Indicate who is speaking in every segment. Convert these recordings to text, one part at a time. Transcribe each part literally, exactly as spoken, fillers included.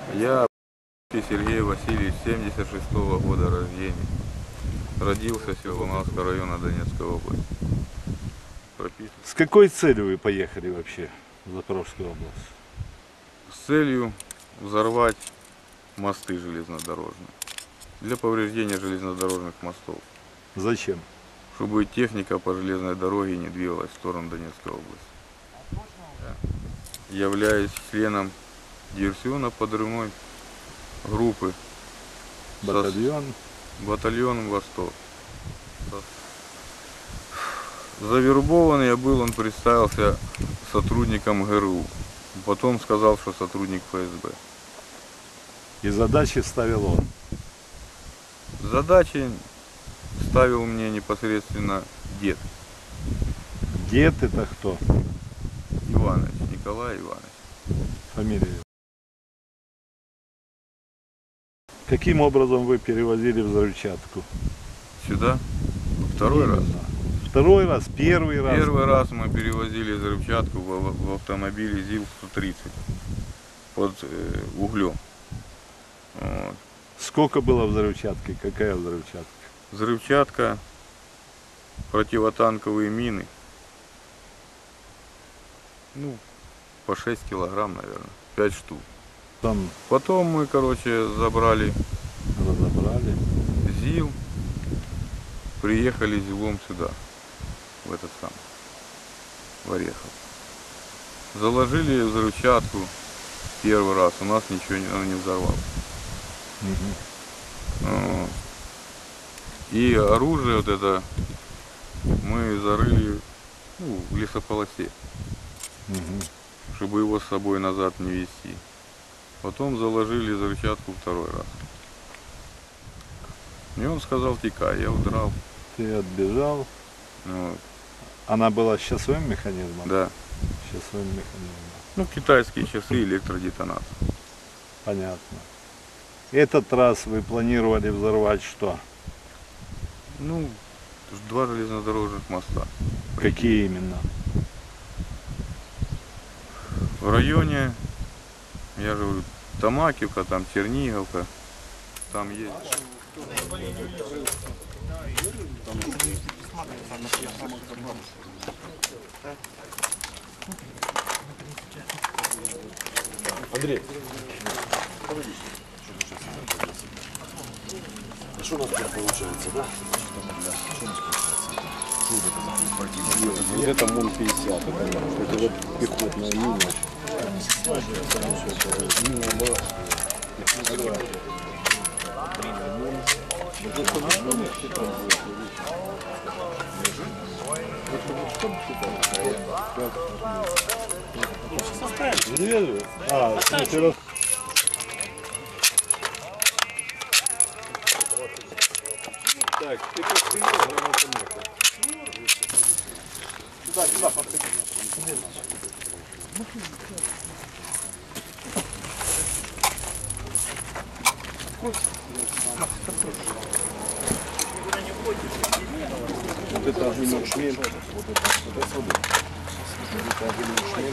Speaker 1: Я Сергей Васильевич, семьдесят шестого года рождения. Родился в Севолновского района Донецкой области. Прописан.
Speaker 2: С какой целью вы поехали вообще в Запорожскую область?
Speaker 1: С целью взорвать мосты железнодорожные. Для повреждения железнодорожных мостов.
Speaker 2: Зачем?
Speaker 1: Чтобы техника по железной дороге не двигалась в сторону Донецкой области. Я являюсь членом диверсионно-подрывной группы.
Speaker 2: Батальон?
Speaker 1: Батальон «Восток». Завербованный я был, он представился сотрудником ГРУ. Потом сказал, что сотрудник ФСБ.
Speaker 2: И задачи ставил он?
Speaker 1: Задачи ставил мне непосредственно дед.
Speaker 2: Дед это кто?
Speaker 1: Иванович, Николай Иванович.
Speaker 2: Фамилия. Каким образом вы перевозили взрывчатку?
Speaker 1: Сюда? Второй раз.
Speaker 2: Второй раз, первый раз?
Speaker 1: Первый раз мы перевозили взрывчатку в, в автомобиле ЗИЛ сто тридцать под э, углем. Вот.
Speaker 2: Сколько было взрывчатки? Какая взрывчатка?
Speaker 1: Взрывчатка, противотанковые мины. Ну, по шесть килограмм, наверное. пять штук.
Speaker 2: Там
Speaker 1: Потом мы, короче, забрали
Speaker 2: разобрали.
Speaker 1: ЗИЛ, приехали ЗИЛом сюда, в этот сам, в Орехов. Заложили взрывчатку первый раз, у нас ничего не, она не взорвалась.
Speaker 2: Угу.
Speaker 1: И оружие вот это мы зарыли, ну, в лесополосе,
Speaker 2: Угу.
Speaker 1: чтобы его с собой назад не везти. Потом заложили взрывчатку второй раз. И он сказал: текай, я удрал.
Speaker 2: Ты отбежал.
Speaker 1: Вот.
Speaker 2: Она была с часовым механизмом?
Speaker 1: Да.
Speaker 2: С часовым механизмом.
Speaker 1: Ну, китайские часы, электродетонатор.
Speaker 2: Понятно. Этот раз вы планировали взорвать что?
Speaker 1: Ну, два железнодорожных моста.
Speaker 2: Какие именно?
Speaker 1: В районе, я же говорю, Тамакивка, там Черниговка, там есть.
Speaker 3: Андрей, а что у нас тут получается, да?
Speaker 4: Вот это МОН пятьдесят, это вот пехотная мина. Мина была.
Speaker 2: А, в смысле, раз...
Speaker 4: Так, ты как приехал, я поехал.
Speaker 3: Сюда, сюда, подходи.
Speaker 4: Вот это огненный шлем. Вот это, вот это свобода. Вот это огненный шлем.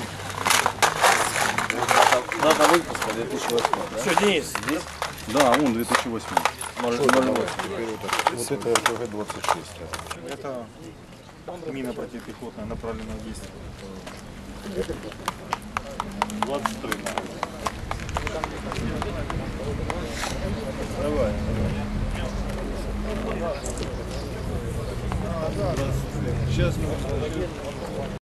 Speaker 3: Дата выпуска две тысячи восьмой, да?
Speaker 4: Все, Денис, здесь?
Speaker 3: Да, он две тысячи восьмой.
Speaker 4: Может,
Speaker 3: Вот это эр пэ гэ двадцать шесть.
Speaker 5: Это мина противопехотная, направленная действие.
Speaker 2: двадцать три.
Speaker 4: давай.
Speaker 2: Сейчас мы